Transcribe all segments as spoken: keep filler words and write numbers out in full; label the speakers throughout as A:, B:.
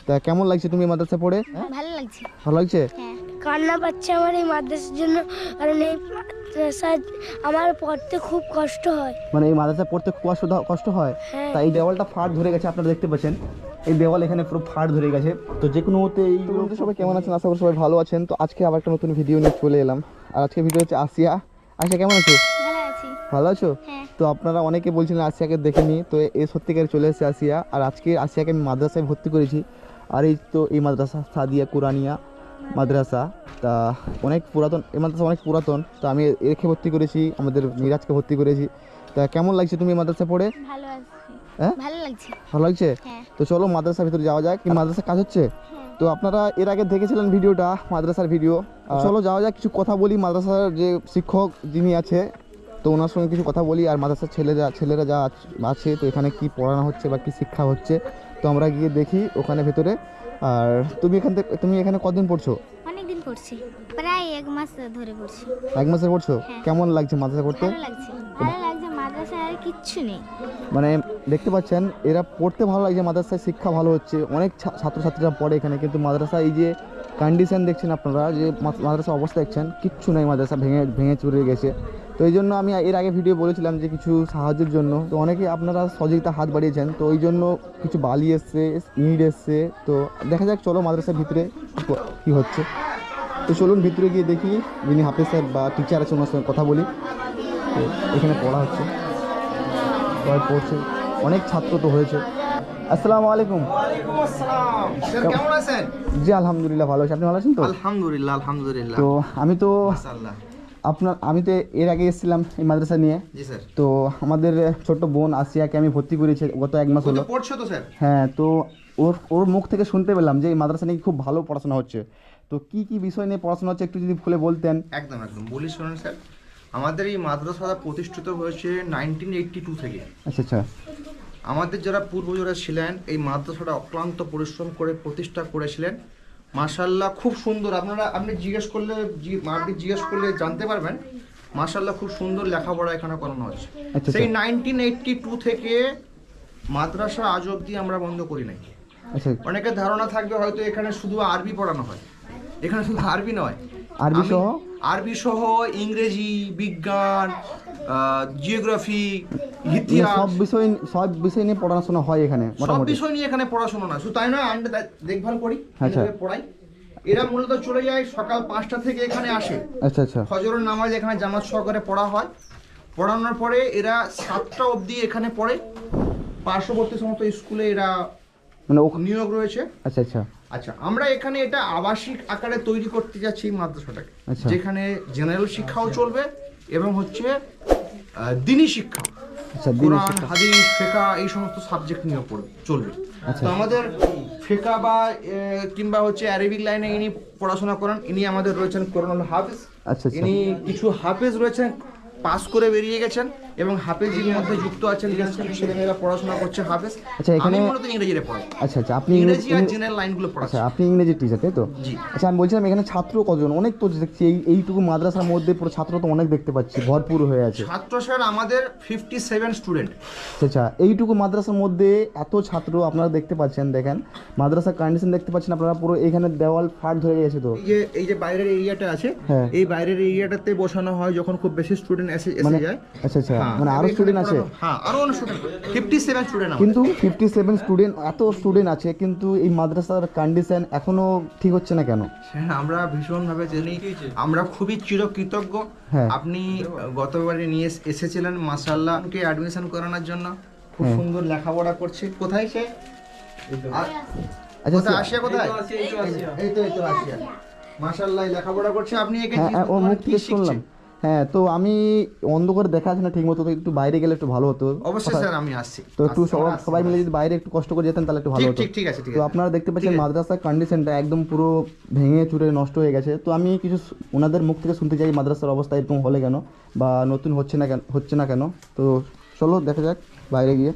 A: তা কেমন লাগছে তুমি মাদ্রাসা পড়ে?
B: ভালো লাগছে।
A: ভালো লাগছে?
B: হ্যাঁ, কান্না পাচ্ছে আমার এই মাদ্রাসার জন্য, কারণ এই মাদ্রাসা আমার পড়তে খুব কষ্ট হয়।
A: মানে এই মাদ্রাসা পড়তে খুব কষ্ট কষ্ট হয়।
B: হ্যাঁ।
A: তাই এই দেওয়ালটা ফাট ধরে গেছে, আপনারা দেখতে পাচ্ছেন এই দেওয়াল এখানে পুরো ফাট ধরে গেছে। তো যে কোনো মতে এই সবাই কেমন আছেন? আশা করি সবাই ভালো আছেন। তো আজকে আবার একটা নতুন ভিডিও নিয়ে চলে এলাম। আর আজকে ভিডিও হচ্ছে আসিয়া। আসিয়া কেমন আছো?
B: ভালো আছি।
A: ভালো আছো?
B: হ্যাঁ।
A: তো আপনারা অনেকে বলছিলেন আসিয়াকে দেখেনি, তো এই সত্যিকারে চলে এসেছে আসিয়া। আর আজকে আসিয়াকে আমি মাদ্রাসায় ভর্তি করেছি। আর এই তো এই মাদ্রাসা সাদিয়া কুরানিয়া মাদ্রাসা, তা অনেক পুরাতন, এই মাদ্রাসা অনেক পুরাতন। তো আমি একে ভর্তি করেছি, আমাদের মিরাজকে ভর্তি করেছি। তা কেমন লাগছে তুমি মাদ্রাসা পড়ে?
B: ভালো আছি।
A: হ্যাঁ,
B: ভালো লাগছে।
A: ভালো লাগছে?
B: হ্যাঁ।
A: তো চলো মাদ্রাসার ভিতরে যাওয়া যাক। কি মাদ্রাসার কাজ হচ্ছে? তো আপনারা এর আগে দেখেছিলেন ভিডিওটা, মাদ্রাসার ভিডিও। চলো যাওয়া যাক, কিছু কথা বলি মাদ্রাসার যে শিক্ষক যিনি আছে, তো ওনার সঙ্গে কিছু কথা বলি। আর মাদ্রাসার ছেলেরা ছেলেরা যা আছে, তো এখানে কি পড়ানো হচ্ছে বা কি শিক্ষা হচ্ছে, তো আমরা গিয়ে দেখি ওখানে ভেতরে। আর তুমি এখান থেকে তুমি এখানে কতদিন পড়ছো?
B: অনেকদিন পড়ছি, প্রায় এক মাস ধরে পড়ছি।
A: এক মাসে পড়ছো?
B: হ্যাঁ।
A: কেমন লাগছে মাদ্রাসা পড়তে?
B: ভালো লাগছে। ভালো লাগছে, মাদ্রাসায় আর কিচ্ছু নেই।
A: মানে দেখতে পাচ্ছেন এরা পড়তে ভালো লাগছে, মাদ্রাসায় শিক্ষা ভালো হচ্ছে, অনেক ছা- ছাত্রছাত্রীরা পড়ে এখানে। কিন্তু মাদ্রাসা এই যে কন্ডিশন দেখছেন আপনারা, যে মা- মাদ্রাসার অবস্থা দেখছেন, কিচ্ছু নেই, মাদ্রাসা ভেঙে ভেঙে চুরে গেছে। তো এই জন্য আমি এর আগে ভিডিও বলেছিলাম যে কিছু সাহায্যের জন্য, তো অনেকে আপনারা সহযোগিতা হাত বাড়িয়েছেন। তো ওই জন্য কিছু বালি এসছে, ইট এসছে। তো দেখা যাক, চলো মাদ্রাসার ভিতরে কী হচ্ছে। তো চলুন ভিতরে গিয়ে দেখি, যিনি হাফেজ স্যার বা টিচার আছে ওনার সঙ্গে কথা বলি। তো এখানে পড়া হচ্ছে, সবাই পড়ছে, অনেক ছাত্র তো হয়েছে। আসসালামু আলাইকুম।
C: ওয়ালাইকুম আসসালাম। স্যার কেমন আছেন?
A: জি আলহামদুলিল্লাহ ভালো আছি, আপনি ভালো আছেন তো?
C: আলহামদুলিল্লাহ আলহামদুলিল্লাহ।
A: তো আমি তো
C: মাশাআল্লাহ।
A: আপনার আমি তো এর আগে এসেছিলাম এই মাদ্রাসা নিয়ে।
C: জি স্যার।
A: তো আমাদের ছোট্ট বোন আসিয়াকে আমি ভর্তি করেছি গত এক মাস হলো।
C: কত পড়ছো তো স্যার?
A: হ্যাঁ, তো ওর ওর মুখ থেকে শুনতে পেলাম যে এই মাদ্রাসা নিয়ে খুব ভালো পড়াশোনা হচ্ছে। তো কি কি বিষয় নিয়ে পড়াশোনা হচ্ছে একটু যদি খুলে বলতেন।
C: একদম একদম বলি শুনুন স্যার, আমাদের এই মাদ্রাসা প্রতিষ্ঠিত হয়েছে নাইনটিন এইটটি টু থেকে।
A: আচ্ছা আচ্ছা।
C: আমাদের যারা পূর্বজরা ছিলেন এই মাদ্রাসাটা অক্লান্ত পরিশ্রম করে প্রতিষ্ঠা করেছিলেন। মাশাআল্লাহ খুব সুন্দর, আপনারা আপনি জিজ্ঞেস করলে জি- আপনি জিজ্ঞেস করলে জানতে পারবেন। মাশাআল্লাহ খুব সুন্দর লেখাপড়া এখানে করানো হচ্ছে।
A: আচ্ছা,
C: সেই
A: আচ্ছা।
C: নাইনটিন এইটটি টু থেকে মাদ্রাসা আজ অবধি আমরা বন্ধ করি নাই।
A: আচ্ছা,
C: অনেকের ধারণা থাকবে হয়তো এখানে শুধু আরবি পড়ানো হয়। এখানে শুধু আরবি নয়,
A: আরবি
C: আমি-
A: সহ?
C: আরবি সহ ইংরেজি, বিজ্ঞান, জিওগ্রাফি,
A: মানে
C: ইতিহাস,
A: সব বিষয় সব বিষয় নিয়ে পড়াশোনা হয় এখানে
C: সব
A: মোটামুটি?
C: বিষয় নিয়ে এখানে পড়াশোনা না, শুধু তাই নয়, আমরা দে- দেখভাল করি,
A: আচ্ছা।
C: এভাবে পড়াই। এরা মূলত চলে যায় সকাল পাঁচটা থেকে এখানে আসে,
A: আচ্ছা আচ্ছা।
C: ফজরের নামাজ এখানে জামাত সহকারে পড়া হয়। পড়ানোর পরে এরা সাতটা অবধি এখানে পড়ে। পার্শ্ববর্তী সমস্ত স্কুলে এরা
A: মানে ওখানে।
C: নিয়োগ রয়েছে।
A: আচ্ছা আচ্ছা।
C: আচ্ছা, আমরা এখানে এটা আবাসিক আকারে তৈরি করতে যাচ্ছি এই মাদ্রাসাটাকে,
A: আচ্ছা।
C: যেখানে জেনারেল শিক্ষাও চলবে এবং হচ্ছে আহ, দ্বীনি শিক্ষা,
A: আচ্ছা, দ্বীনি
C: কোরআন,
A: শিক্ষা।
C: হাদিস, ফিকহ এই সমস্ত সাবজেক্ট নিয়ে পড়বে চলবে।
A: আচ্ছা।
C: তো আমাদের ফিকহ বা আহ, কিংবা হচ্ছে অ্যারাবিক লাইনে ইনি পড়াশোনা করেন। ইনি আমাদের রয়েছেন কোরআনুল হাফেজ।
A: আচ্ছা আচ্ছা।
C: ইনি কিছু হাফেজ রয়েছেন, পাস করে বেরিয়ে গেছেন, এবং হাফেজের মধ্যে যুক্ত আছেন ছেলেমেয়েরা পড়াশোনা করছে হাফেজ।
A: আচ্ছা, এখানে-
C: আমি মূলত ইংরেজিতে পড়াই।
A: আচ্ছা আচ্ছা। আপনি
C: ইংরেজি আর
A: ইংরেজি-
C: জেনারেল লাইনগুলো পড়াচ্ছি।
A: আচ্ছা, আপনি ইংরেজি টিচার তাই তো?
C: জি।
A: আচ্ছা, আমি বলছিলাম এখানে ছাত্র কতজন? অনেক তো দেখছি এই এইটুকু মাদ্রাসার মধ্যে পুরো ছাত্র তো অনেক দেখতে পাচ্ছি, ভরপুর হয়ে আছে।
C: ছাত্র স্যার আমাদের ফিফটি সেভেন স্টুডেন্ট।
A: আচ্ছা আচ্ছা, এইটুকু মাদ্রাসার মধ্যে এত ছাত্র আপনারা দেখতে পাচ্ছেন, দেখেন মাদ্রাসার কন্ডিশন দেখতে পাচ্ছেন আপনারা, পুরো এখানে দেওয়াল ফাট ধরে গেছে। তো
C: এই যে এই যে বাইরের এরিয়াটা আছে,
A: হ্যাঁ।
C: এই বাইরের এরিয়াটাতে বসানো হয় যখন খুব বেশি স্টুডেন্ট এসে
A: মানে
C: এসে যায়।
A: আচ্ছা আচ্ছা,
C: হ্যাঁ,
A: মানে আরো
C: এখানে
A: স্টুডেন্ট আছে?
C: পড়ানো- হ্যাঁ, আরো অনেক স্টুডেন্ট, ফিফটি সেভেন স্টুডেন্ট।
A: কিন্তু ফিফটি সেভেন স্টুডেন্ট, এত স্টুডেন্ট আছে, কিন্তু এই মাদ্রাসার কন্ডিশন এখনো ঠিক হচ্ছে না কেন?
C: হ্যাঁ, আমরা ভীষণভাবে জানি, আমরা খুবই চিরকৃতজ্ঞ।
A: হ্যাঁ।
C: আপনি গতবারে নিয়ে এস- এসেছিলেন মাশাআল্লাহকে অ্যাডমিশন করানোর জন্য। খুব
A: হ্যাঁ।
C: সুন্দর লেখাপড়া করছে। কোথায় সে? আর-
A: আচ্ছা
C: কোথায়
A: আচ্ছা।
C: আসিয়া? কোথায়? এই তো এই তো আসিয়া। মাশাআল্লাহ লেখাপড়া করছে। আপনি একে
A: হ্যাঁ
C: কি-
A: হ্যাঁ, ওর
C: মানে
A: মুখ
C: কি
A: থেকে
C: শিখছে?
A: শুনলাম। হ্যাঁ, তো আমি অন্ধকারে দেখা যাচ্ছে না ঠিক মতো, তো একটু বাইরে গেলে একটু ভালো হতো।
C: অবশ্যই
A: কোথায়-
C: স্যার, আমি আসছি।
A: তো একটু
C: আসছি,
A: সবাই
C: আমরা আসছি,
A: সবাই মিলে
C: আমরা
A: যদি বাইরে একটু কষ্ট করে যেতেন তাহলে একটু ভালো
C: ঠিক
A: হতো।
C: ঠিক ঠিক আছে, ঠিক
A: তো
C: আছে।
A: আপনারা দেখতে পাচ্ছেন
C: ঠিক আছে।
A: মাদ্রাসার কন্ডিশনটা একদম পুরো ভেঙে চুরে নষ্ট হয়ে গেছে। তো আমি কিছু স- ওনাদের মুখ থেকে শুনতে চাই মাদ্রাসার অবস্থা এরকম হলে কেন, বা নতুন হচ্ছে না কেন হচ্ছে না কেন তো চলো দেখা যাক বাইরে গিয়ে।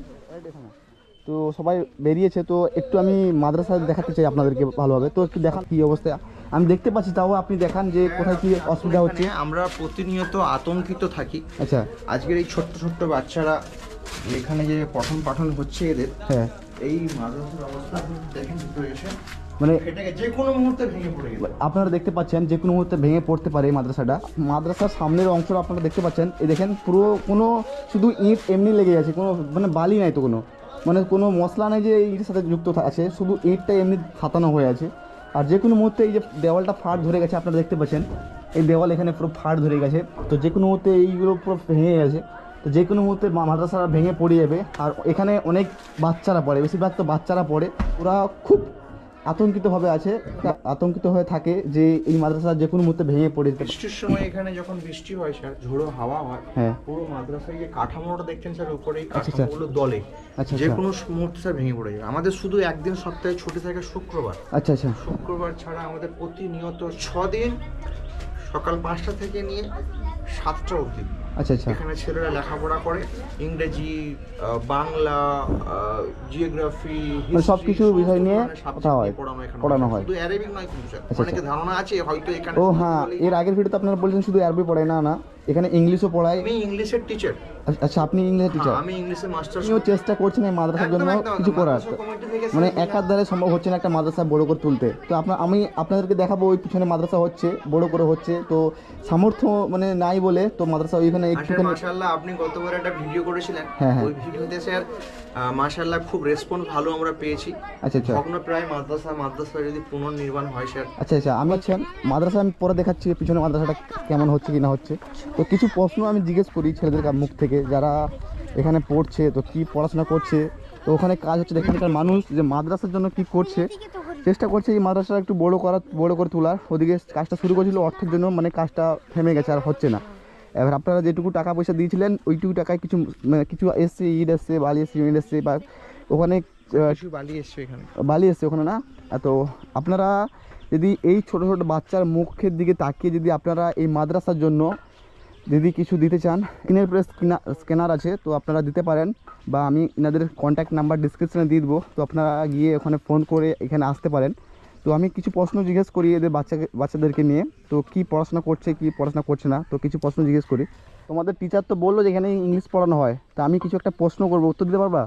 A: তো সবাই বেরিয়েছে, তো একটু আমি মাদ্রাসা দেখাতে চাই আপনাদেরকে ভালোভাবে। তো একটু দেখান কী অবস্থা, আমি দেখতে পাচ্ছি, তাও আপনি দেখান যে কোথায় কী অসুবিধা হচ্ছে।
C: এখানে আমরা প্রতিনিয়ত আতঙ্কিত থাকি।
A: আচ্ছা
C: আজকের এই ছোট্ট ছোট্ট বাচ্চারা এখানে যে পঠন পাঠন হচ্ছে এদের,
A: হ্যাঁ
C: এই মাদ্রাসার অবস্থা আপনি দেখেন ভিতরে এসে,
A: মানে
C: এটাকে যে কোনো মুহূর্তে ভেঙে পড়ে গেল।
A: আপনারা দেখতে পাচ্ছেন যে কোনো মুহূর্তে ভেঙে পড়তে পারে এই মাদ্রাসাটা। মাদ্রাসার সামনের অংশটা আপনারা দেখতে পাচ্ছেন, এই দেখেন পুরো কোনো শুধু ইট এমনি লেগে আছে, কোনো মানে বালি নাই তো, কোনো মানে কোনো মশলা নেই যে ইটের সাথে যুক্ত আছে, শুধু ইটটা এমনি ছাতানো হয়ে আছে। আর যে কোনো মুহূর্তে এই যে দেওয়ালটা ফাট ধরে গেছে, আপনারা দেখতে পাচ্ছেন এই দেওয়াল এখানে পুরো ফাট ধরে গেছে। তো যে কোনো মুহূর্তে এইগুলো পুরো ভেঙে গেছে, তো যে কোনো মুহূর্তে মাদ্রাসাটা ভেঙে পড়ে যাবে। আর এখানে অনেক বাচ্চারা পড়ে, বেশিরভাগ তো বাচ্চারা পড়ে, ওরা খুব আতঙ্কিতভাবে আছে, আতঙ্কিত হয়ে থাকে যে এই মাদ্রাসা যে কোনো মুহূর্তে ভেঙে পড়ে যেতে পারে।
C: বৃষ্টির সময় এখানে যখন বৃষ্টি হয় স্যার, ঝোড়ো হাওয়া হয়,
A: হ্যাঁ
C: পুরো মাদ্রাসায় যে কাঠামোটা দেখছেন স্যার উপরে, এই
A: আচ্ছা, আচ্ছা।
C: কাঠামোগুলো দলে
A: আচ্ছা
C: যে
A: আচ্ছা
C: কোনো মুহূর্তে স্যার ভেঙে পড়ে যাবে। আমাদের শুধু একদিন সপ্তাহে ছুটি থাকে শুক্রবার,
A: আচ্ছা আচ্ছা
C: শুক্রবার ছাড়া আমাদের প্রতিনিয়ত ছ দিন সকাল পাঁচটা থেকে নিয়ে সাতটা অবধি
A: আচ্ছা আচ্ছা
C: এখানে ছেলেরা লেখাপড়া করে। ইংরেজি, আহ, বাংলা, জিওগ্রাফি,
A: মানে সবকিছু বিষয় নিয়ে কথা হয়,
C: পড়ানো এখানে
A: পড়ানো হয়।
C: শুধু অ্যারাবিক নয় কিন্তু স্যার,
A: আচ্ছা,
C: অনেকে ধারণা আছে হয়তো এখানে
A: ও
C: শুধু
A: হ্যাঁ,
C: বলেই-
A: এর আগের ভিডিওতে আপনারা বলছেন শুধু আরবি পড়ায়, না না, এখানে ইংলিশও পড়ায়।
C: আমি ইংলিশের টিচার।
A: আচ্ছা, আপনি ইংলিশের টিচার।
C: আমি ইংলিশের মাস্টার।
A: আপনিও চেষ্টা করছেন এই মাদ্রাসার জন্য কিছু করার, মানে এক হাত দ্বারা সম্ভব হচ্ছে না একটা মাদ্রাসা বড় করে তুলতে। তো আপনার আমি আপনাদেরকে দেখাবো ওই পিছনে মাদ্রাসা হচ্ছে, বড় করে হচ্ছে, তো সামর্থ্য মানে নাই বলে তো মাদ্রাসা ওইখানে একটুখানি।
C: মাশাআল্লাহ, আপনি গতবার একটা ভিডিও করেছিলেন,
A: হ্যাঁ, হ্যাঁ।
C: ওই ভিডিওতে স্যার মাশাআল্লাহ খুব রেসপন্স ভালো আমরা পেয়েছি।
A: আচ্ছা আচ্ছা
C: ভগ্ন প্রায় মাদ্রাসা মাদ্রাসা যদি পুনর্নির্মাণ হয় স্যার।
A: আচ্ছা আচ্ছা আমি হচ্ছে মাদ্রাসা আমি পরে দেখাচ্ছি পিছনে মাদ্রাসাটা কেমন হচ্ছে কি না হচ্ছে। তো কিছু প্রশ্ন আমি জিজ্ঞেস করি ছেলেদের মুখ থেকে, যারা এখানে পড়ছে, তো কি পড়াশোনা করছে, তো ওখানে কাজ হচ্ছে, এখানকার মানুষ যে মাদ্রাসার জন্য কি করছে, চেষ্টা করছে এই মাদ্রাসাটা একটু বড় করা, বড় করে তোলার। ওদিকে কাজটা শুরু করেছিল অর্থের জন্য, মানে কাজটা থেমে গেছে, আর হচ্ছে না। এবার আপনারা যেটুকু টাকা পয়সা দিয়েছিলেন ওইটুকু টাকায় কিছু মানে কিছু এসছে, ইট এসছে, বালি এসছে, সিমেন্ট এসছে, বা ওখানে আহ,
C: কিছু বালি এসছে এখানে।
A: বালি এসছে ওখানে না। তো আপনারা যদি এই ছোটো ছোটো বাচ্চার মুখের দিকে তাকিয়ে যদি আপনারা এই মাদ্রাসার জন্য যদি কিছু দিতে চান, স্ক্রিনের প্রেস স্ক্যানার আছে, তো আপনারা দিতে পারেন, বা আমি এনাদের কন্ট্যাক্ট নাম্বার ডিসক্রিপশানে দিয়ে দেবো, তো আপনারা গিয়ে ওখানে ফোন করে এখানে আসতে পারেন। তো আমি কিছু প্রশ্ন জিজ্ঞেস করি এদের বাচ্চাকে বাচ্চাদেরকে নিয়ে, তো কি পড়াশোনা করছে কি পড়াশোনা করছে না, তো কিছু প্রশ্ন জিজ্ঞেস করি। তোমাদের টিচার তো বললো যে এখানে ইংলিশ পড়ানো হয়, তা আমি কিছু একটা প্রশ্ন করবো, উত্তর দিতে পারবা?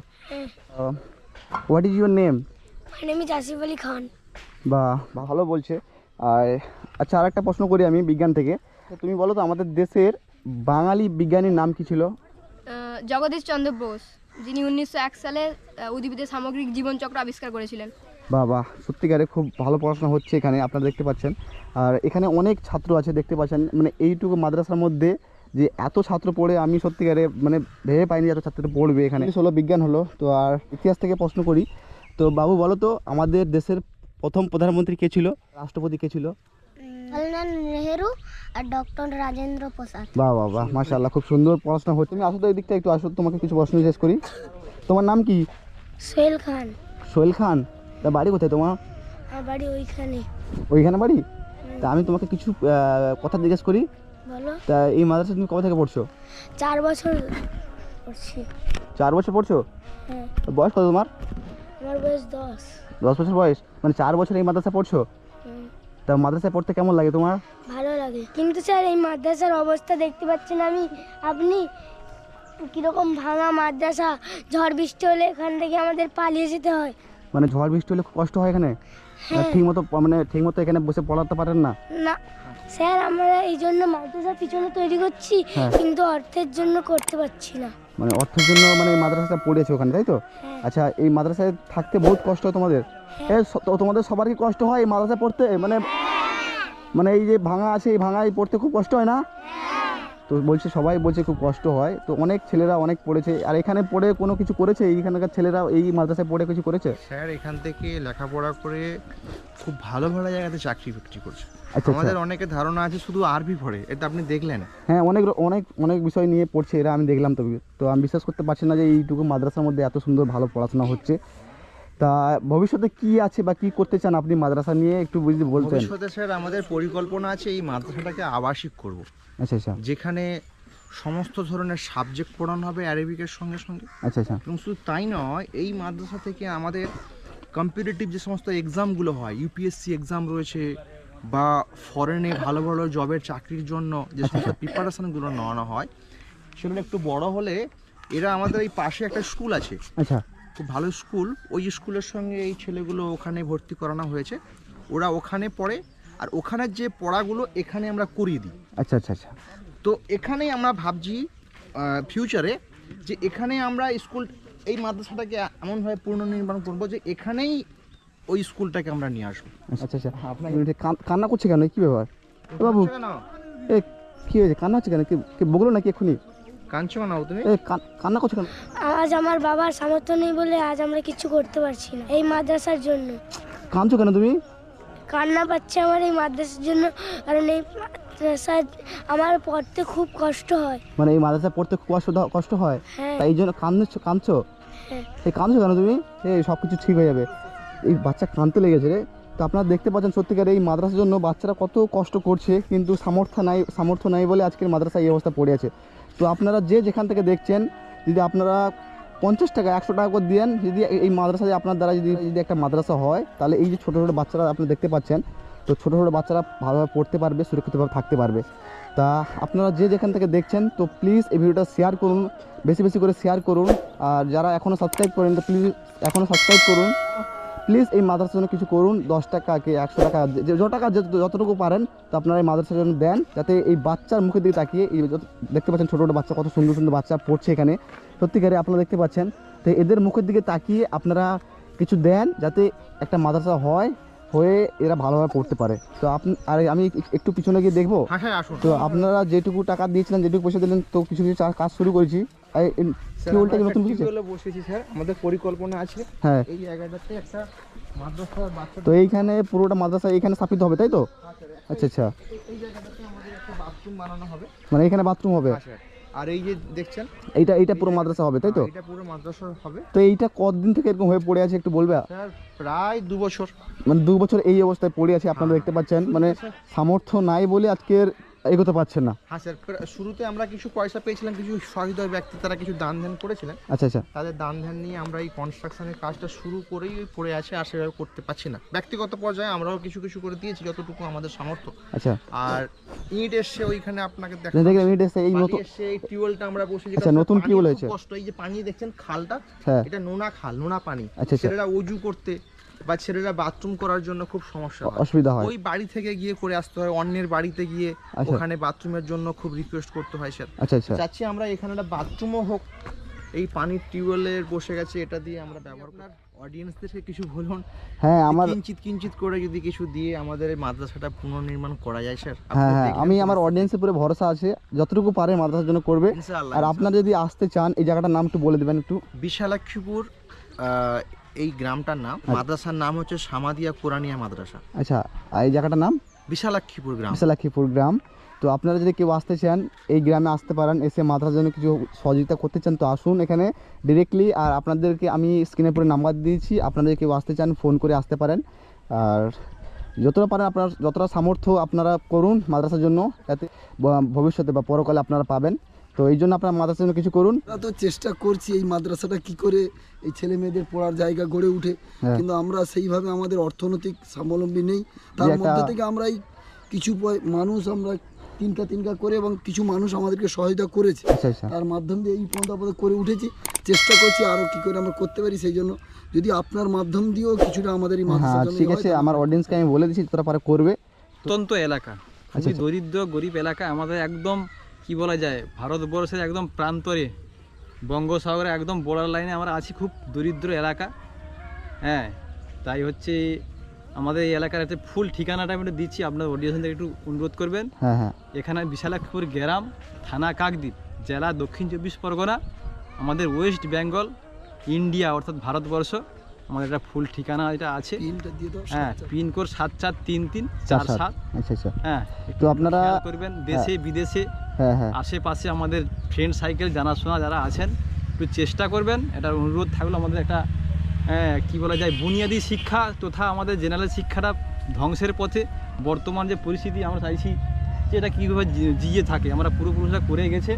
A: What is your name?
B: My name is Asif Ali Khan.
A: বা ভালো বলছে। আর আচ্ছা, আর একটা প্রশ্ন করি আমি বিজ্ঞান থেকে, তুমি বলো তো আমাদের দেশের বাঙালি বিজ্ঞানীর নাম কি ছিল?
D: আহ, জগদীশ চন্দ্র বোস, যিনি উনিশশো এক সালে আহ, উদ্ভিদের সামগ্রিক জীবনচক্র আবিষ্কার করেছিলেন।
A: বাহ বাহ, সত্যিকারে খুব ভালো পড়াশোনা হচ্ছে এখানে, আপনারা দেখতে পাচ্ছেন। আর এখানে অনেক ছাত্র আছে দেখতে পাচ্ছেন, মানে এইটুকু মাদ্রাসার মধ্যে যে এত ছাত্র পড়ে আমি সত্যিকারে মানে ভেবে পাইনি এত ছাত্র পড়বে এখানে। হলো বিজ্ঞান হলো, তো আর ইতিহাস থেকে প্রশ্ন করি। তো বাবু বলো তো আমাদের দেশের প্রথম প্রধানমন্ত্রী কে ছিল, রাষ্ট্রপতি কে ছিল?
B: জওহরলাল নেহেরু আর ডক্টর রাজেন্দ্র প্রসাদ।
A: বাহ বাহ বাহ, মাশাআল্লাহ, খুব সুন্দর পড়াশোনা হচ্ছে। তুমি আসো তো এই দিকটা একটু আসো, তোমাকে কিছু প্রশ্ন জিজ্ঞেস করি। তোমার নাম কি?
B: সোহেল খান।
A: সোহেল খান। তা বাড়ি কোথায় তোমার?
B: আমার বাড়ি ওইখানে।
A: ওইখানে বাড়ি? তা আমি তোমাকে কিছু আহ, কথা জিজ্ঞেস করি।
B: বলো।
A: তা এই মাদ্রাসা তুমি কবে থেকে পড়ছো?
B: চার বছর করছি।
A: চার বছর পড়ছো?
B: হ্যাঁ।
A: বয়স কত তোমার?
B: আমার বয়স দশ।
A: দশ বছর বয়স, মানে চার বছর এই মাদ্রাসা পড়ছো।
B: হুম,
A: তা মাদ্রাসায় পড়তে কেমন লাগে তোমার?
B: ভালো লাগে, কিন্তু স্যার এই মাদ্রাসার অবস্থা দেখতে পাচ্ছেন আমি আপনি কীরকম ভাঙা মাদ্রাসা, ঝড় বৃষ্টি হলে এখান থেকে আমাদের পালিয়ে যেতে হয়।
A: মানে ঝড় বৃষ্টি হলে খুব কষ্ট হয় এখানে,
B: হ্যাঁ।
A: ঠিক মতো মানে ঠিক মতো এখানে বসে পড়াতে পারেন না?
B: না স্যার, আমরা এই জন্য মাদ্রাসার পিছনে তৈরি করছি,
A: হ্যাঁ।
B: কিন্তু অর্থের জন্য করতে পারছি না।
A: মানে অর্থের জন্য মানে এই মাদ্রাসাটা পড়েছে ওখানে, তাই তো?
B: হ্যাঁ।
A: আচ্ছা, এই মাদ্রাসায় থাকতে বহুত কষ্ট হয় তোমাদের?
B: হ্যাঁ।
A: এ স- তো তোমাদের সবার কি কষ্ট হয় এই মাদ্রাসায় পড়তে? মানে মানে এই যে ভাঙা আছে, এই ভাঙায় পড়তে খুব কষ্ট হয় না? তো বলছে সবাই বলছে খুব কষ্ট হয়, তো অনেক ছেলেরা অনেক পড়েছে। আর এখানে পড়ে কোনো কিছু করেছে এইখানকার ছেলেরা, এই মাদ্রাসায় পড়ে কিছু করেছে?
C: স্যার এখান থেকে লেখাপড়া করে খুব ভালো ভালো জায়গাতে চাকরি বাকরি করছে।
A: আচ্ছা।
C: আমাদের অনেকের ধারণা আছে শুধু আরবি পড়ে, এটা আপনি দেখলেন।
A: হ্যাঁ, অনেক র- অনেক অনেক বিষয় নিয়ে পড়ছে এরা, আমি দেখলাম। তো তো আমি বিশ্বাস করতে পারছি না যে এইটুকু মাদ্রাসার মধ্যে এত সুন্দর ভালো পড়াশোনা হচ্ছে। তা ভবিষ্যতে কি আছে বা কি করতে চান আপনি মাদ্রাসা নিয়ে একটু বুঝতে বলতেন?
C: ভবিষ্যতে স্যার আমাদের পরিকল্পনা আছে এই মাদ্রাসাটাকে আবাসিক করব,
A: আচ্ছা আচ্ছা
C: যেখানে সমস্ত ধরনের সাবজেক্ট পড়ানো হবে অ্যারাবিকের সঙ্গে সঙ্গে।
A: আচ্ছা আচ্ছা
C: এবং শুধু তাই নয়, এই মাদ্রাসা থেকে আমাদের কম্পিটিটিভ যে সমস্ত এক্সামগুলো হয়, ইউপিএসসি এক্সাম রয়েছে, বা ফরেনে ভালো ভালো জবের চাকরির জন্য যে সমস্ত প্রিপারেশনগুলো নেওয়ানো হয়, সেগুলো একটু বড় হলে এরা আমাদের এই পাশে একটা স্কুল আছে,
A: আচ্ছা
C: খুব ভালো স্কুল, ওই স্কুলের সঙ্গে এই ছেলেগুলো ওখানে ভর্তি করানো হয়েছে, ওরা ওখানে পড়ে আর ওখানের যে পড়াগুলো এখানে আমরা করিয়ে দিই।
A: আচ্ছা আচ্ছা আচ্ছা
C: তো এখানেই আমরা ভাবছি ফিউচারে যে এখানে আমরা স্কুল এই মাদ্রাসাটাকে এমনভাবে পুনর্নির্মাণ করবো যে এখানেই ওই স্কুলটাকে আমরা নিয়ে আসবো।
A: আচ্ছা আচ্ছা আপনার কান্না করছে কেন, কি ব্যাপার এ বাবু?
C: না
A: এ কি হয়েছে, কান্না হচ্ছে কেন? কি কি বগলো নাকি এক্ষুনি?
C: কাঁদছো না তুমি?
A: এ কান- কান্না করছে কেন?
B: আজ আমার বাবার সামর্থ্য নেই বলে আজ আমরা কিছু করতে পারছি না এই মাদ্রাসার জন্য।
A: কাঁদছো কেন তুমি?
B: কান্না পাচ্ছে আমার এই মাদ্রাসার জন্য, কারণ এই মাদ্রাসা আমার পড়তে খুব কষ্ট হয়।
A: মানে এই মাদ্রাসায় পড়তে খুব কষ্ট দাও- কষ্ট হয়,
B: হ্যাঁ
A: তাই এই জন্য কাঁদছো কাঁদছো?
B: হ্যাঁ।
A: এই কাঁদছো কেন তুমি? এই সব কিছু ঠিক হয়ে যাবে। এই বাচ্চা কাঁদতে লেগেছে রে। তো আপনারা দেখতে পাচ্ছেন সত্যিকার এই মাদ্রাসার জন্য বাচ্চারা কত কষ্ট করছে, কিন্তু সামর্থ্য নাই সামর্থ্য নাই বলে আজকের মাদ্রাসা এই অবস্থা পড়ে আছে। তো আপনারা যে যেখান থেকে দেখছেন, যদি আপনারা পঞ্চাশ টাকা একশো টাকা করে দেন, যদি এই মাদ্রাসায় আপনার দ্বারা যদি যদি একটা মাদ্রাসা হয়, তাহলে এই যে ছোটো ছোটো বাচ্চারা আপনি দেখতে পাচ্ছেন, তো ছোটো ছোটো বাচ্চারা ভালোভাবে পড়তে পারবে, সুরক্ষিতভাবে থাকতে পারবে। তা আপনারা যে যেখান থেকে দেখছেন, তো প্লিজ এই ভিডিওটা শেয়ার করুন, বেশি বেশি করে শেয়ার করুন। আর যারা এখনও সাবস্ক্রাইব করেন, তো প্লিজ এখনও সাবস্ক্রাইব করুন। প্লিজ এই মাদ্রাসার জন্য কিছু করুন, দশ টাকা কি একশো টাকা, যে যত টাকা যে- যতটুকু পারেন, তো আপনারা এই মাদ্রাসার জন্য দেন, যাতে এই বাচ্চার মুখের দিকে তাকিয়ে এই যত- দেখতে পাচ্ছেন ছোটো ছোটো বাচ্চা, কত সুন্দর সুন্দর বাচ্চা পড়ছে এখানে, সত্যিকারে আপনারা দেখতে পাচ্ছেন। তো এদের মুখের দিকে তাকিয়ে আপনারা কিছু দেন, যাতে একটা মাদ্রাসা হয়, হয়ে এরা ভালোভাবে পড়তে পারে। তো আপনি আর আমি একটু পিছনে গিয়ে দেখবো।
C: হ্যাঁ হ্যাঁ আসুন।
A: তো আপনারা যেটুকু টাকা দিয়েছিলেন, যেটুকু পয়সা দিলেন, তো কিছু কিছু চা- কাজ শুরু করেছি। এই কি উল্টা কি নতুন কিছু?
C: বসেছি স্যার, আমাদের পরিকল্পনা আছে
A: হ্যাঁ,
C: এই জায়গাটাতে একটা মাদ্রাসার বাচ্চা
A: তো এইখানে পুরোটা মাদ্রাসা এইখানে স্থাপিত হবে, তাই তো? আচ্ছা আচ্ছা,
C: এই জায়গাটাতে আমাদের একটা বাথরুম বানানো হবে।
A: মানে এখানে বাথরুম হবে,
C: হ্যাঁ স্যার। আর এই যে দেখছেন,
A: এইটা এইটা পুরো মাদ্রাসা হবে, তাই তো?
C: এটা পুরো মাদ্রাসা হবে
A: তো এইটা কতদিন থেকে এরকম হয়ে পড়ে আছে একটু বলবে?
C: স্যার। প্রায় দু বছর।
A: মানে দু বছর এই অবস্থায় পড়ে আছে, আপনারা দেখতে পাচ্ছেন। মানে সামর্থ্য নাই বলে আজকের এগোতে পারছেন না।
C: হ্যাঁ স্যার, প্রা- শুরুতে আমরা কিছু পয়সা পেয়েছিলাম, কিছু সহৃদয় ব্যক্তি তারা কিছু দান ধ্যান করেছিলেন,
A: আচ্ছা আচ্ছা
C: তাদের দান ধ্যান নিয়ে আমরা এই কনস্ট্রাকশনের কাজটা শুরু করেই পড়ে আছে, আর সেভাবে করতে পারছি না। ব্যক্তিগত পর্যায়ে আমরাও কিছু কিছু করে দিয়েছি যতটুকু আমাদের সামর্থ্য।
A: আচ্ছা,
C: আর ইট এসছে ওইখানে আপনাকে দেখা
A: দেখলাম ইট এসে এই নতুন।
C: এসছে, এই টিউবওয়েলটা আমরা বসেছি।
A: আচ্ছা, নতুন টিউবওয়েল হয়েছে।
C: কষ্ট, এই যে পানি দেখছেন খালটা,
A: হ্যাঁ,
C: এটা নোনা খাল, নোনা পানি।
A: আচ্ছা, আচ্ছা।
C: ছেলেরা অজু করতে বা ছেলেরা বাথরুম করার জন্য খুব সমস্যা হয়,
A: অসুবিধা হয়।
C: ওই বাড়ি থেকে গিয়ে করে আসতে হয়, অন্যের বাড়িতে গিয়ে
A: আচ্ছা।
C: ওখানে বাথরুমের জন্য খুব রিকোয়েস্ট করতে হয় স্যার।
A: আচ্ছা আচ্ছা,
C: চাচ্ছি আমরা এখানে একটা বাথরুমও হোক, এই পানির টিউবওয়েলের বসে গেছে, এটা দিয়ে আমরা ব্যবহার করি। অডিয়েন্সদেরকে কিছু বলুন,
A: হ্যাঁ আমার
C: কিঞ্চিত কিঞ্চিত করে যদি কিছু দিয়ে আমাদের এই মাদ্রাসাটা পুনর্নির্মাণ করা যায় স্যার।
A: হ্যাঁ হ্যাঁ আমি আমার অডিয়েন্সের উপরে ভরসা আছে, যতটুকু পারে মাদ্রাসার জন্য করবে।
C: ইনশাআল্লাহ।
A: আর আপনারা যদি আসতে চান, এই জায়গাটার নাম একটু বলে দেবেন একটু।
C: বিশালাক্ষীপুর, আহ, এই গ্রামটার নাম, মাদ্রাসার নাম হচ্ছে সামাদিয়া কোরআনিয়া মাদ্রাসা।
A: আচ্ছা, আর এই জায়গাটার নাম
C: বিশালাক্ষীপুর গ্রাম।
A: বিশালাক্ষীপুর গ্রাম। তো আপনারা যদি কেউ আসতে চান, এই গ্রামে আসতে পারেন, এসে মাদ্রাসার জন্য কিছু সহযোগিতা করতে চান, তো আসুন এখানে ডিরেক্টলি। আর আপনাদেরকে আমি স্ক্রিনে পরে নাম্বার দিয়েছি, আপনারা যদি কেউ আসতে চান ফোন করে আসতে পারেন। আর যতটা পারেন আপনার যতটা সামর্থ্য আপনারা করুন মাদ্রাসার জন্য, যাতে ব- ভবিষ্যতে বা পরকালে আপনারা পাবেন। তো এই জন্য আপনারা মাদ্রাসার জন্য কিছু করুন।
E: আমরা তো চেষ্টা করছি এই মাদ্রাসাটা কি করে এই ছেলে মেয়েদের পড়ার জায়গা গড়ে উঠে,
A: হ্যাঁ।
E: কিন্তু আমরা সেইভাবে আমাদের অর্থনৈতিক স্বাবলম্বী নেই। তার
A: যে একটা-
E: মধ্যে থেকে আমরা এই কিছু পয়- মানুষ আমরা তিনটা তিনটা করে এবং কিছু মানুষ আমাদেরকে সহায়তা করেছে,
A: আচ্ছা আচ্ছা,
E: তার মাধ্যম দিয়ে এই পর্যন্ত আপাতত করে উঠেছি। চেষ্টা করছি আরও কী করে আমরা করতে পারি, সেই জন্য যদি আপনার মাধ্যম দিয়েও কিছুটা আমাদের এই
A: হ্যাঁ
E: মাদ্রাসার জন্য
A: ঠিক
E: হয়,
A: আছে,
E: তাহলে
A: আমার অডিয়েন্সকে আমি বলে দিচ্ছি, তোরা পারে করবে।
F: অত্যন্ত এলাকা,
A: আচ্ছা,
F: খুবই
A: আচ্ছা।
F: দরিদ্র গরিব এলাকা আমাদের, একদম কি বলা যায়, ভারতবর্ষের একদম প্রান্তরে, বঙ্গোসাগরে একদম বর্ডার লাইনে আমরা আছি, খুব দরিদ্র এলাকা। হ্যাঁ, তাই হচ্ছে আমাদের এই এলাকার একটা ফুল ঠিকানাটা আমি একটু দিচ্ছি, আপনার অডিয়েন্স থেকে একটু অনুরোধ করবেন।
A: হ্যাঁ হ্যাঁ,
F: এখানে বিশালাক্ষীপুর গ্রাম, থানা কাকদ্বীপ, জেলা দক্ষিণ চব্বিশ পরগনা, আমাদের ওয়েস্ট বেঙ্গল, ইন্ডিয়া অর্থাৎ ভারতবর্ষ। আমাদের একটা ফুল ঠিকানা এটা আছে।
E: পিনটা দিয়ে দাও।
F: হ্যাঁ,
E: সাত চার।
F: পিনকোড সাত চার তিন তিন
A: চার
F: চার
A: সাত।
F: সাত।
A: আচ্ছা আচ্ছা,
F: হ্যাঁ,
A: তো আপনারা
F: খেয়াল করবেন, দেশে বিদেশে
A: হ্যাঁ হ্যাঁ,
F: আশেপাশে আমাদের ফ্রেন্ড সাইকেল জানাশোনা যারা আছেন, একটু চেষ্টা করবেন। এটার অনুরোধ থাকলো আমাদের একটা আহ, কি বলা যায়, বুনিয়াদী শিক্ষা তথা আমাদের জেনারেল শিক্ষাটা ধ্বংসের পথে। বর্তমান যে পরিস্থিতি, আমরা চাইছি যে এটা কীভাবে জি- জিয়ে থাকে, আমরা পূর্বপুরুষরা করে গেছে,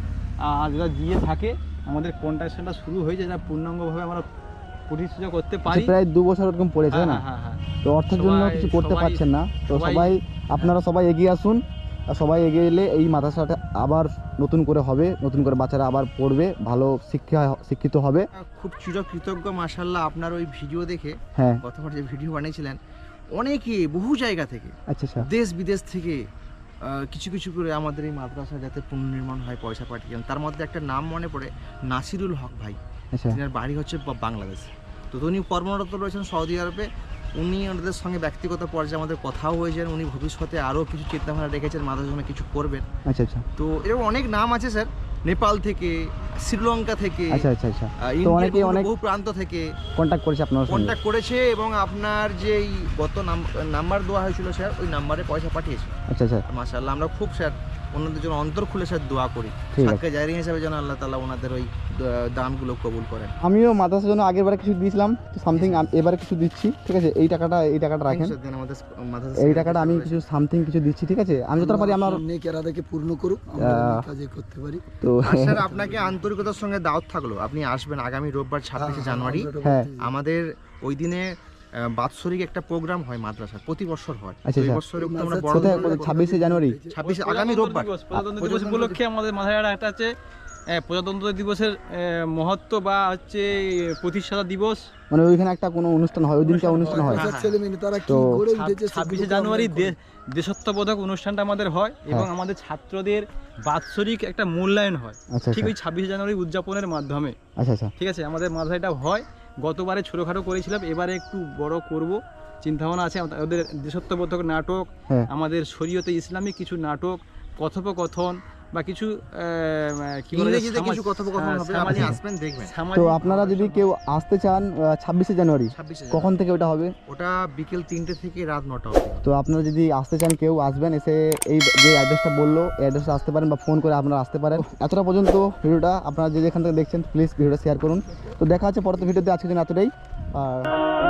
F: আর যেটা জিয়ে থাকে আমাদের কন্ট্রাকশনটা শুরু হয়েছে, যেটা পূর্ণাঙ্গভাবে আমরা প্রতিষ্ঠিত করতে পারি।
A: প্রায় দু বছর এরকম পড়েছে
F: হ্যাঁ
A: না,
F: হ্যাঁ হ্যাঁ হ্যাঁ।
A: তো অর্থের জন্য
F: সবাই-
A: কিছু করতে
F: সবাই-
A: পারছেন না। তো
F: সবাই-
A: সবাই আপনারা সবাই এগিয়ে আসুন। আর সবাই এগিয়ে এলে এই মাদ্রাসাটা আবার নতুন করে হবে, নতুন করে বাচ্চারা আবার পড়বে, ভালো শিক্ষা শিক্ষিত হবে।
C: খুব চিরকৃতজ্ঞ মাশাআল্লাহ আপনার ওই ভিডিও দেখে,
A: হ্যাঁ
C: গতবার যে ভিডিও বানিয়েছিলেন, অনেকে বহু জায়গা থেকে,
A: আচ্ছা আচ্ছা
C: দেশ বিদেশ থেকে আহ, কিছু কিছু করে আমাদের এই মাদ্রাসা যাতে পুনর্নির্মাণ হয় পয়সা পাঠিয়েছেন। তার মধ্যে একটা নাম মনে পড়ে, নাসিরুল হক ভাই,
A: আচ্ছা
C: তিনার বাড়ি হচ্ছে বা- বাংলাদেশে। তো উনি কর্মরত রয়েছেন সৌদি আরবে। উনি ওনাদের সঙ্গে ব্যক্তিগত পর্যায়ে আমাদের কথাও হয়েছেন। উনি ভবিষ্যতে আরও কিছু চিন্তাভাবনা রেখেছেন, মাদ্রাসার জন্য কিছু করবেন।
A: আচ্ছা আচ্ছা
C: তো এরকম অনেক নাম আছে স্যার, নেপাল থেকে, শ্রীলঙ্কা থেকে,
A: আচ্ছা আচ্ছা আচ্ছা
C: আহ,
A: তো
C: ইন্ডিয়ার
A: অনেকেই
C: বহু-
A: অনেক
C: বহু প্রান্ত থেকে
A: কন্ট্যাক্ট করেছে আপনার সঙ্গে।
C: কন্ট্যাক্ট করেছে এবং আপনার যেই গত নাম্বার দেওয়া হয়েছিল স্যার, ওই নাম্বারে পয়সা পাঠিয়েছে।
A: আচ্ছা আচ্ছা
C: মাশাআল্লাহ আমরা খুব স্যার ওনাদের জন্য অন্তর খুলে স্যার দোয়া করি,
A: ঠিক আছে।
C: সাদকা জারি হিসাবে যেন আল্লাহ তাআলা ওনাদের ওই দ- দানগুলো কবুল করেন।
A: আমিও মাদ্রাসার জন্য আগেরবারে কিছু দিয়েছিলাম, সামথিং এবারে কিছু দিচ্ছি, ঠিক আছে? এই টাকাটা এই টাকাটা রাখেন,
C: স্যার, দেন আমাদের মাদ্রাসা
A: এই টাকাটা আমি কিছু সামথিং কিছু দিচ্ছি, ঠিক আছে? আমি যতটা পারি আমার
E: নেক এরাদাকে পূর্ণ করুক, আমরা
A: আহ,
E: অনেক কাজে করতে পারি।
A: তো
C: আর স্যার আপনাকে আন্তরিকতার সঙ্গে দাওয়াত থাকলো, আপনি আসবেন আগামী রোববার ছাব্বিশে জানুয়ারি।
E: আমরা এটা
A: হ্যাঁ।
E: করতে-
C: আমাদের ওই দিনে আহ, বাৎসরিক একটা প্রোগ্রাম হয় মাদ্রাসার, প্রতি বছর হয়।
A: আচ্ছা,
C: তো এই
A: আচ্ছা।
C: বছর একটু আমরা বড়
A: কোথায়
C: করে
A: ছাব্বিশে জানুয়ারি?
C: ছাব্বিশে আগামী রোববার
F: দিবস, প্রজাতন্ত্র দিবস উপলক্ষে আমাদের মাথায় একটা আছে আহ, প্রজাতন্ত্র দিবসের আহ, মহত্ব বা হচ্ছে প্রতিষ্ঠাতা দিবস।
A: মানে ওইখানে একটা কোনো অনুষ্ঠান হয়, ওই দিনটা অনুষ্ঠান হয়।
E: মাদ্রাসার ছেলে মেয়ে তারা কি
A: তো
E: গড়ে উঠেছে
F: ছাব্বিশে
E: সেগুলোকে
F: জানুয়ারি
E: আমরা
F: দে- দেশত্ববোধক অনুষ্ঠানটা আমাদের হয় এবং আমাদের ছাত্রদের বাৎসরিক একটা মূল্যায়ন হয়
A: আচ্ছা
F: ঠিক
A: আচ্ছা
F: ওই ছাব্বিশে জানুয়ারি উদযাপনের মাধ্যমে।
A: আচ্ছা আচ্ছা
F: ঠিক আছে, আমাদের মাথায় এটা হয়। গতবারে ছোটোখাটো করেছিলাম, এবারে একটু বড় করব চিন্তাভাবনা আছে। আমাদের- ওদের দেশত্ববোধক নাটক,
A: হ্যাঁ
F: আমাদের শরীয়তে ইসলামিক কিছু নাটক, কথোপকথন বা কিছু আহ, কি বলে যে
C: ইংরেজিতে কিছু
F: সামাজ-
C: কথোপকথন
F: হ্যাঁ,
C: হবে, আপনি
F: সামাজিক-
C: আসবেন দেখবেন।
A: তো
F: সামাজিক
A: আপনারা যদি কেউ আসতে চান ছাব্বিশে জানুয়ারি,
C: ছাব্বিশে
A: কখন থেকে ওটা হবে?
C: ওটা বিকেল তিনটে থেকে রাত নটা অবধি।
A: তো আপনারা যদি আসতে চান, কেউ আসবেন, এসে এই যে অ্যাড্রেসটা বললো এই অ্যাড্রেসে আসতে পারেন বা ফোন করে আপনারা আসতে পারেন। এতটা পর্যন্ত ভিডিওটা আপনারা যে যেখান থেকে দেখছেন প্লিজ ভিডিওটা শেয়ার করুন। তো দেখা হচ্ছে পরবর্তী ভিডিওতে, আজকের জন্য এতটাই। আর